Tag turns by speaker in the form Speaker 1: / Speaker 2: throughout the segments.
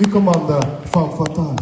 Speaker 1: і команда Фам Фаталь.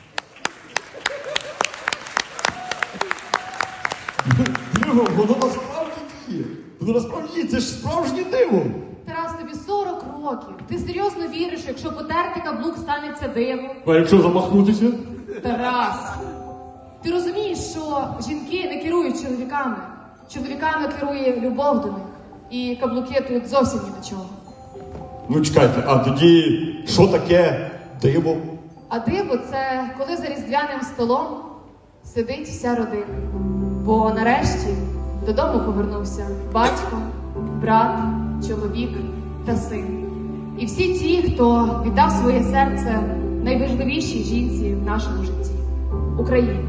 Speaker 2: Диво, воно насправді діє. Воно насправді діє, це ж справжнє диво.
Speaker 3: Тарас, тобі 40 років. Ти серйозно віриш, якщо потерти каблук, станеться диво?
Speaker 2: А якщо замахнутися?
Speaker 3: Тарас, ти розумієш, що жінки не керують чоловіками. Чоловіками керує любов до них. І каблуки тут зовсім ні до чого.
Speaker 2: Ну чекайте, а тоді що таке диво?
Speaker 3: А диво – це коли за різдвяним столом сидить вся родина. Бо нарешті додому повернувся батько, брат, чоловік та син. І всі ті, хто віддав своє серце найважливішій жінці в нашому житті – Україні.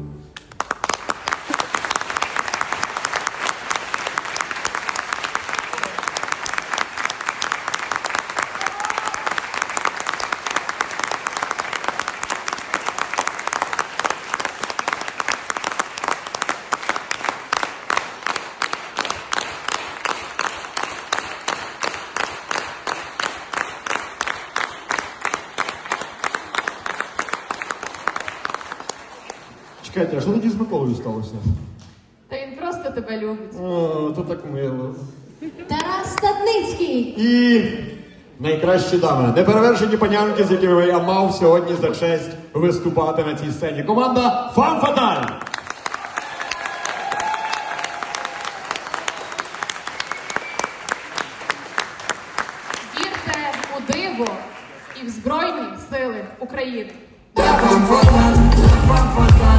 Speaker 2: Чекайте, а що тоді з Миколою сталося?
Speaker 3: Та він просто тебе любить.
Speaker 2: О, то так мило.
Speaker 4: Тарас Стадницький.
Speaker 2: І найкращі дами, неперевершені панянки, з якими я мав сьогодні за честь виступати на цій сцені. Команда Фам Фаталь!
Speaker 3: Вірте у диво і в Збройні Сили України.
Speaker 5: La fam fatal,